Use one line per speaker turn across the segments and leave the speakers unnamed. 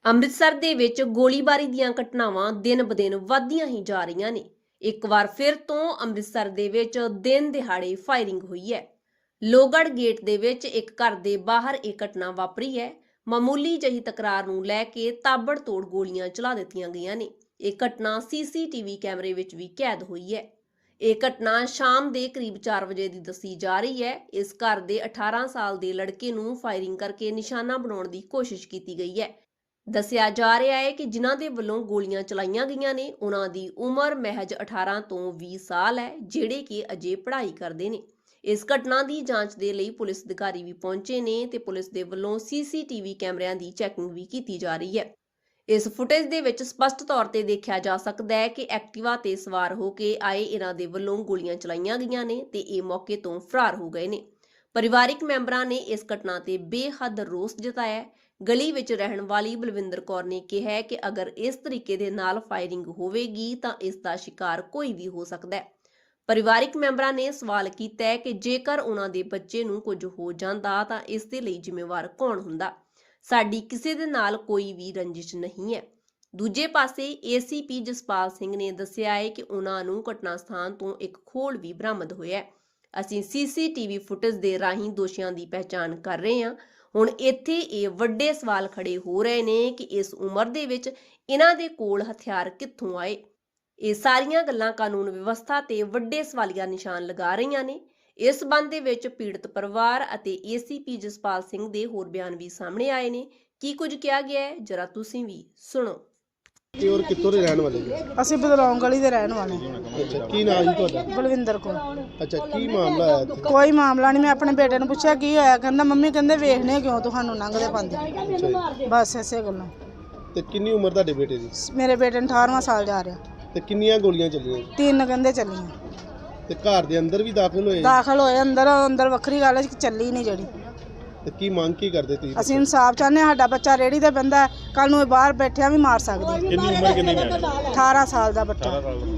ਅੰਮ੍ਰਿਤਸਰ ਦੇ ਵਿੱਚ ਗੋਲੀਬਾਰੀ ਦੀਆਂ ਘਟਨਾਵਾਂ ਦਿਨ-ਬ-ਦਿਨ ਵਧਦੀਆਂ ਹੀ ਜਾ ਰਹੀਆਂ ਨੇ। ਇੱਕ ਵਾਰ ਫਿਰ ਤੋਂ ਅੰਮ੍ਰਿਤਸਰ ਦੇ ਵਿੱਚ ਦਿਨ ਦਿਹਾੜੇ ਫਾਇਰਿੰਗ ਹੋਈ ਹੈ। ਲੋਹਗੜ੍ਹ ਗੇਟ ਦੇ ਵਿੱਚ ਇੱਕ ਘਰ ਦੇ ਬਾਹਰ ਇਹ ਘਟਨਾ ਵਾਪਰੀ ਹੈ। ਮਾਮੂਲੀ ਜਿਹੀ ਤਕਰਾਰ ਨੂੰ ਲੈ ਕੇ ਤਾਬੜਤੋੜ ਗੋਲੀਆਂ ਚਲਾ ਦਿੱਤੀਆਂ ਗਈਆਂ ਨੇ। ਇਹ ਘਟਨਾ ਸੀਸੀਟੀਵੀ ਕੈਮਰੇ ਵਿੱਚ ਵੀ ਕੈਦ ਹੋਈ ਹੈ। ਇਹ ਘਟਨਾ ਸ਼ਾਮ ਦੇ ਕਰੀਬ 4 ਵਜੇ ਦੀ ਦੱਸੀ ਜਾ ਰਹੀ ਹੈ। ਇਸ ਘਰ ਦੇ 18 ਸਾਲ ਦੇ ਲੜਕੇ ਨੂੰ ਫਾਇਰਿੰਗ ਕਰਕੇ ਨਿਸ਼ਾਨਾ ਬਣਾਉਣ ਦੀ ਕੋਸ਼ਿਸ਼ ਕੀਤੀ ਗਈ ਹੈ। ਦੱਸਿਆ ਜਾ ਰਿਹਾ ਹੈ ਕਿ ਜਿਨ੍ਹਾਂ ਦੇ ਵੱਲੋਂ ਗੋਲੀਆਂ ਚਲਾਈਆਂ ਗਈਆਂ ਨੇ ਉਹਨਾਂ ਦੀ ਉਮਰ ਮਹਿਜ 18 ਤੋਂ 20 ਸਾਲ ਹੈ, ਜਿਹੜੇ ਕਿ ਅਜੇ ਪੜ੍ਹਾਈ ਕਰਦੇ ਨੇ। ਇਸ ਘਟਨਾ ਦੀ ਜਾਂਚ ਦੇ ਲਈ ਪੁਲਿਸ ਅਧਿਕਾਰੀ ਵੀ ਪਹੁੰਚੇ ਨੇ ਤੇ ਪੁਲਿਸ ਦੇ ਵੱਲੋਂ ਸੀਸੀਟੀਵੀ ਕੈਮਰਿਆਂ ਦੀ ਚੈਕਿੰਗ ਵੀ ਕੀਤੀ ਜਾ ਰਹੀ ਹੈ। ਇਸ ਫੁਟੇਜ ਦੇ ਵਿੱਚ ਸਪਸ਼ਟ ਤੌਰ ਤੇ ਦੇਖਿਆ ਜਾ ਸਕਦਾ ਹੈ ਕਿ ਐਕਟਿਵਾ ਤੇ ਸਵਾਰ ਹੋ ਕੇ ਆਏ ਇਹਨਾਂ ਦੇ ਵੱਲੋਂ ਗੋਲੀਆਂ ਚਲਾਈਆਂ ਗਈਆਂ ਨੇ ਤੇ ਇਹ ਮੌਕੇ ਤੋਂ ਫਰਾਰ ਹੋ ਗਏ ਨੇ। ਪਰਿਵਾਰਿਕ ਮੈਂਬਰਾਂ ਨੇ ਇਸ ਘਟਨਾ ਤੇ ਬੇਹੱਦ ਰੋਸ ਜਤਾਇਆ। ਗਲੀ ਵਿੱਚ ਰਹਿਣ ਵਾਲੀ ਬਲਵਿੰਦਰ ਕੌਰ ਨੇ ਕਿਹਾ ਹੈ ਕਿ ਅਗਰ ਇਸ ਤਰੀਕੇ ਦੇ ਨਾਲ ਫਾਇਰਿੰਗ ਹੋਵੇਗੀ ਤਾਂ ਇਸ ਦਾ ਸ਼ਿਕਾਰ ਕੋਈ ਵੀ ਹੋ ਸਕਦਾ ਹੈ। ਪਰਿਵਾਰਿਕ ਮੈਂਬਰਾਂ ਨੇ ਸਵਾਲ ਕੀਤਾ ਹੈ ਕਿ ਜੇਕਰ ਉਹਨਾਂ ਦੇ ਬੱਚੇ ਨੂੰ ਕੁਝ ਹੋ ਜਾਂਦਾ ਤਾਂ ਇਸ ਦੇ ਲਈ ਜ਼ਿੰਮੇਵਾਰ ਕੌਣ ਹੁੰਦਾ। ਸਾਡੀ ਕਿਸੇ ਦੇ ਨਾਲ ਕੋਈ ਵੀ ਰੰਜਿਸ਼ ਨਹੀਂ ਹੈ। ਦੂਜੇ ਪਾਸੇ ਏਸੀਪੀ ਜਸਪਾਲ ਸਿੰਘ ਨੇ ਦੱਸਿਆ ਹੈ ਕਿ ਉਹਨਾਂ ਨੂੰ ਘਟਨਾ ਸਥਾਨ ਤੋਂ ਇੱਕ ਖੋਲ ਵੀ ਬਰਾਮਦ ਹੋਇਆ ਹੈ। ਅਸੀਂ ਸੀਸੀਟੀਵੀ ਫੁਟੇਜ ਦੇ ਰਾਹੀਂ ਦੋਸ਼ੀਆਂ ਦੀ ਪਹਿਚਾਣ ਕਰ ਰਹੇ ਹਾਂ। ਹੁਣ ਇੱਥੇ ਇਹ ਵੱਡੇ ਸਵਾਲ ਖੜੇ ਹੋ ਰਹੇ ਨੇ ਕਿ ਇਸ ਉਮਰ ਦੇ ਵਿੱਚ ਇਹਨਾਂ ਦੇ ਕੋਲ ਹਥਿਆਰ ਕਿੱਥੋਂ ਆਏ। ਇਹ ਸਾਰੀਆਂ ਗੱਲਾਂ ਕਾਨੂੰਨ ਵਿਵਸਥਾ ਤੇ ਵੱਡੇ ਸਵਾਲੀਆ ਨਿਸ਼ਾਨ ਲਗਾ ਰਹੀਆਂ ਨੇ। ਇਸ ਸੰਬੰਧ ਦੇ ਵਿੱਚ ਪੀੜਤ ਪਰਿਵਾਰ ਅਤੇ ਏਸੀਪੀ ਜਸਪਾਲ ਸਿੰਘ ਦੇ ਹੋਰ ਬਿਆਨ ਵੀ ਸਾਹਮਣੇ ਆਏ ਨੇ। ਕੀ ਕੁਝ ਕਿਹਾ ਗਿਆ ਹੈ ਜਰਾ ਤੁਸੀਂ ਵੀ ਸੁਣੋ।
ਤੇ ਹੋਰ ਕਿੱਥੋਂ ਦੇ ਰਹਿਣ ਵਾਲੇ ਜੀ?
ਅਸੀਂ ਬਦਲੌਂ ਗਲੀ ਦੇ ਰਹਿਣ ਵਾਲੇ।
ਅੱਛਾ, ਕੀ ਨਾਮ ਜੀ ਤੁਹਾਡਾ?
ਬਲਵਿੰਦਰ ਕੌਰ।
ਅੱਛਾ, ਕੀ ਮਾਮਲਾ ਹੈ ਇੱਥੇ?
ਕੋਈ ਮਾਮਲਾ ਨਹੀਂ। ਮੈਂ ਆਪਣੇ ਬੇਟੇ ਨੂੰ ਪੁੱਛਿਆ ਕੀ ਹੋਇਆ, ਕਹਿੰਦਾ ਮੰਮੀ ਕਹਿੰਦੇ ਵੇਖਣੇ ਕਿਉਂ ਤੁਹਾਨੂੰ ਲੰਘਦੇ ਪਾਉਂਦੇ। ਬਸ ਇਸੇ ਗੱਲੋਂ।
ਤੇ ਕਿੰਨੀ ਉਮਰ ਤੁਹਾਡੇ ਬੇਟੇ ਦੀ?
ਮੇਰੇ ਬੇਟੇ ਨੂੰ 18ਵਾਂ ਸਾਲ ਜਾ ਰਿਹਾ।
ਤੇ ਕਿੰਨੀਆਂ ਗੋਲੀਆਂ ਚੱਲੀਆਂ?
3 ਕਹਿੰਦੇ ਚੱਲੀਆਂ।
ਤੇ ਘਰ ਦੇ ਅੰਦਰ ਵੀ ਦਾਖਲ ਹੋਏ?
ਦਾਖਲ ਹੋਏ ਅੰਦਰ ਵੱਖਰੀ ਗੱਲ ਹੈ ਕਿ ਚੱਲੀ ਨਹੀਂ ਜਿਹੜੀ।
ਤੇ ਕੀ ਮੰਗ ਕੀ ਕਰਦੇ ਤੁਸੀਂ?
ਅਸੀਂ ਇਨਸਾਫ ਚਾਹੁੰਦੇ ਹਾਂ। ਸਾਡਾ ਬੱਚਾ ਰੇੜੀ ਤੇ ਬੰਦਾ ਕੱਲ ਨੂੰ ਇਹ ਬਾਹਰ ਬੈਠਿਆ ਵੀ ਮਾਰ ਸਕਦੀ।
ਕਿੰਨੀ ਉਮਰ ਕਿੰਨੀ ਹੈ?
18 ਸਾਲ ਦਾ ਬੱਚਾ।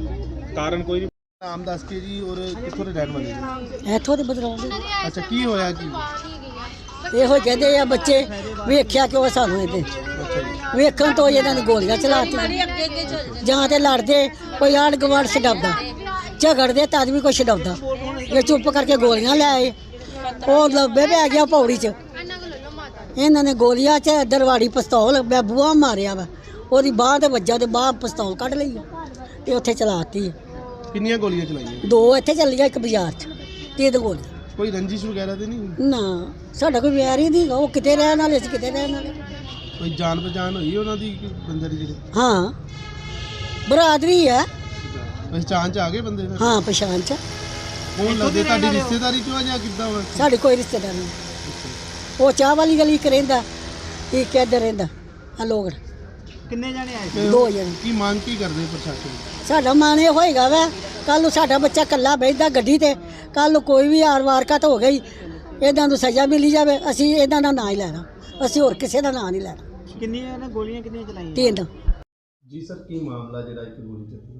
ਕਾਰਨ ਕੋਈ ਨਾਮ ਦੱਸ ਕੇ ਜੀ। ਔਰ ਕਿੱਥੋਂ ਦੇ ਰਹਿਣ ਵਾਲੇ ਜੀ?
ਇੱਥੋਂ ਦੇ ਬਦਲਾਉ ਦੇ।
ਅੱਛਾ, ਕੀ ਹੋਇਆ ਕੀ?
ਇਹੋ ਕਹਿੰਦੇ ਆ ਬੱਚੇ ਵੇਖਿਆ ਕਿਉਂ ਸਾਨੂੰ ਇਹਦੇ ਵੇਖਣ ਤੋਂ ਇਹਨਾਂ ਨੇ ਗੋਲੀਆਂ ਚਲਾਤੀਆਂ। ਜਾਂ ਤੇ ਲੜਦੇ ਕੋਈ ਆੜ ਗਵਾੜ ਛਡਾਉਂਦਾ, ਝਗੜਦੇ ਤਦ ਵੀ ਕੋਈ ਛਡਾਉਂਦਾ। ਇਹ ਚੁੱਪ ਕਰਕੇ ਗੋਲੀਆਂ ਲੈ ਆਏ। ਉਹ ਲੱਭੇ ਪੈ ਗਿਆ ਪੌੜੀ 'ਚ। ਇਹਨਾਂ ਨੇ ਗੋਲੀਆਂ 'ਚ ਦਰਵਾੜੀ ਪਿਸਤੌਲ ਮੈਂ ਬੂਹਾ ਮਾਰਿਆ ਵਾ, ਉਹਦੀ ਬਾਂਹ ਤੇ ਵੱਜਾ ਤੇ ਬਾਂਹ ਪਿਸਤੌਲ ਕੱਢ ਲਈ ਤੇ ਉੱਥੇ ਚਲਾਤੀ।
ਕਿੰਨੀਆਂ ਗੋਲੀਆਂ ਚਲਾਈਆਂ?
2 ਇੱਥੇ ਚੱਲੀਆਂ, ਇੱਕ ਬਾਜ਼ਾਰ 'ਚ। 3 ਗੋਲੀਆਂ।
ਕੋਈ ਰੰਜਿਸ਼ ਵਗੈਰਾ ਤੇ ਨਹੀਂ?
ਨਾ, ਸਾਡਾ ਕੋਈ ਵੈਰ ਹੀ ਨਹੀਂ। ਉਹ ਕਿਤੇ ਰਹਿਣ ਵਾਲੇ ਸੀ, ਕਿਤੇ ਰਹਿਣ ਵਾਲੇ।
ਕੋਈ ਜਾਣ ਪਛਾਣ ਹੋਈ ਉਹਨਾਂ ਦੀ ਬੰਦੇ ਦੀ ਜਿਹੜੇ?
ਹਾਂ, ਬਰਾਦਰੀ ਹੈ।
ਪਛਾਣ ਚ ਆ ਗਏ ਬੰਦੇ ਫਿਰ?
ਹਾਂ, ਪਛਾਣ ਚ।
ਕੌਣ ਲੱਗਦੇ? ਤੁਹਾਡੀ ਰਿਸ਼ਤੇਦਾਰੀ ਚੋਂ ਆ ਜਾਂ ਕਿੱਦਾਂ ਵਾ?
ਸਾਡੇ ਕੋਈ ਰਿਸ਼ਤੇਦਾਰ ਨਹੀਂ। ਉਹ ਚਾਹ ਵਾਲੀ ਗਲੀ ਚ ਰਹਿੰਦਾ, ਇੱਕ ਇੱਧਰ ਰਹਿੰਦਾ। ਆ ਲੋਕ
ਕਿੰਨੇ ਜਾਣੇ ਆਏ?
ਤੇ
2 ਜਣੇ।
ਕੀ ਮੰਗ ਕੀ ਕਰਦੇ ਪ੍ਰਸ਼ਾਸਨ?
ਸਾਡਾ ਮਨ ਇਹ ਹੋਏਗਾ ਵਾ ਕੱਲ ਨੂੰ ਸਾਡਾ ਬੱਚਾ ਇਕੱਲਾ ਬੈਠਦਾ ਗੱਡੀ ਤੇ, ਕੱਲ ਨੂੰ ਕੋਈ ਵੀ ਵਾਰਕਾਤ ਹੋ ਗਈ ਇਹਨਾਂ ਨੂੰ ਸਜ਼ਾ ਮਿਲੀ ਜਾਵੇ। ਅਸੀਂ ਇਹਨਾਂ ਦਾ ਨਾਂ ਹੀ ਲੈਣਾ, ਅਸੀਂ ਹੋਰ ਕਿਸੇ ਦਾ ਨਾਂ ਨਹੀਂ ਲੈਣਾ।
ਕਿੰਨੀਆਂ ਨੇ ਗੋਲੀਆਂ ਕਿੰਨੀਆਂ ਚਲਾਈਆਂ?
3।
ਜੀ ਸਰ, ਕੀ ਮਾਮਲਾ ਜਿਹੜਾ ਇੱਕ ਗੋਲੀ ਚੱਲੀ?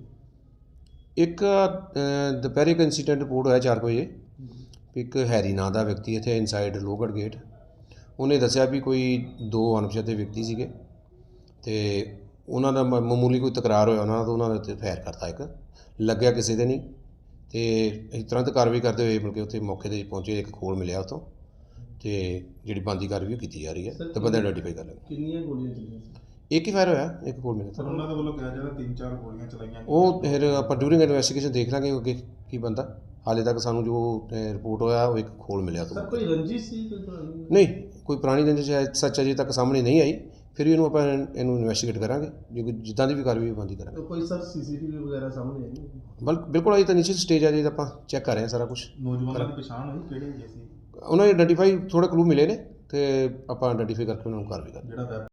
ਇੱਕ ਦੁਪਹਿਰੇ ਇੱਕ ਇੰਸੀਡੈਂਟ ਰਿਪੋਰਟ ਹੋਇਆ 4 ਵਜੇ। ਇੱਕ ਹੈਰੀ ਨਾਂ ਦਾ ਵਿਅਕਤੀ ਇੱਥੇ ਇਨਸਾਈਡ ਲੋਹਗੜ੍ਹ ਗੇਟ, ਉਹਨੇ ਦੱਸਿਆ ਵੀ ਕੋਈ 2 ਅਣਪਛਾਤੇ ਵਿਅਕਤੀ ਸੀਗੇ ਤੇ ਉਹਨਾਂ ਦਾ ਮਾਮੂਲੀ ਕੋਈ ਤਕਰਾਰ ਹੋਇਆ ਉਹਨਾਂ ਦਾ, ਉਹਨਾਂ ਦੇ ਉੱਤੇ ਫਾਇਰ ਕਰਤਾ। ਇੱਕ ਲੱਗਿਆ ਕਿਸੇ ਦੇ ਨਹੀਂ ਤੇ ਅਸੀਂ ਤੁਰੰਤ ਕਾਰਵਾਈ ਕਰਦੇ ਹੋਏ ਮਿਲ ਕੇ ਉੱਥੇ ਮੌਕੇ 'ਤੇ ਪਹੁੰਚੇ। ਇੱਕ ਖੋਲ ਮਿਲਿਆ ਉੱਥੋਂ ਤੇ ਜਿਹੜੀ ਬਣਦੀ ਕਾਰਵਾਈ ਕੀਤੀ ਜਾ ਰਹੀ ਹੈ ਤੇ ਬੰਦੇ ਆਈਡੈਂਟੀਫਾਈ ਕਰ ਲਏ।
ਕਿੰਨੀਆਂ ਗੋਲੀਆਂ ਚੱਲੀਆਂ?
ਇੱਕ ਹੀ ਫਾਇਰ ਹੋਇਆ, ਇੱਕ ਖੋਲ ਮਿਲਿਆ।
ਸਰ, ਉਹਨਾਂ ਦੇ ਵੱਲੋਂ ਕਿਹਾ ਜਾਂਦਾ 3-4 ਗੋਲੀਆਂ ਚਲਾਈਆਂ।
ਉਹ ਫਿਰ ਆਪਾਂ ਡਿਊਰਿੰਗ ਇਨਵੈਸਟੀਗੇਸ਼ਨ ਦੇਖ ਲਾਂਗੇ ਅੱਗੇ ਕੀ ਬੰਦਾ। ਹਾਲੇ ਤੱਕ ਸਾਨੂੰ ਜੋ ਰਿਪੋਰਟ ਹੋਇਆ ਉਹ ਇੱਕ ਖੋਲ ਮਿਲਿਆ ਤੋਂ।
ਸਰ, ਕੋਈ ਰੰਜਿਸ਼ ਸੀ?
ਨਹੀਂ, ਕੋਈ ਪੁਰਾਣੀ ਰੰਜਿਸ਼ ਸੱਚ ਅਜੇ ਤੱਕ ਸਾਹਮਣੇ ਨਹੀਂ ਆਈ। ਫਿਰ ਵੀ ਇਹਨੂੰ ਇਨਵੈਸਟੀਗੇਟ ਕਰਾਂਗੇ, ਜੇ ਕੋਈ ਜਿੱਦਾਂ ਦੀ ਵੀ ਕਾਰਵਾਈ ਬੰਦੀ ਕਰਾਂਗੇ।
ਕੋਈ ਸਰ ਸੀਸੀਟੀਵੀ ਵਗੈਰਾ ਸਾਹਮਣੇ ਆਈ?
ਬਿਲਕੁਲ ਅਜੇ ਤਾਂ ਨੀਚੇ ਸਟੇਜ ਆ ਜੀ, ਆਪਾਂ ਚੈੱਕ ਕਰ ਰਹੇ ਹਾਂ ਸਾਰਾ ਕੁਝ।
ਨੌਜਵਾਨਾਂ ਦੀ ਪਛਾਣ ਹੋਈ ਕਿਹੜੇ ਹੈਗੇ ਸੀ?
ਉਹਨਾਂ ਨੇ ਆਈਡੈਂਟੀਫਾਈ ਥੋੜ੍ਹੇ ਕਲੂ ਮਿਲੇ ਨੇ ਤੇ ਆਪਾਂ ਆਈਡੈਂਟੀਫਾਈ ਕਰਕੇ ਉਹਨਾਂ ਨੂੰ ਕਾਰਵਾਈ ਕਰਾਂਗੇ।
ਜਿਹੜਾ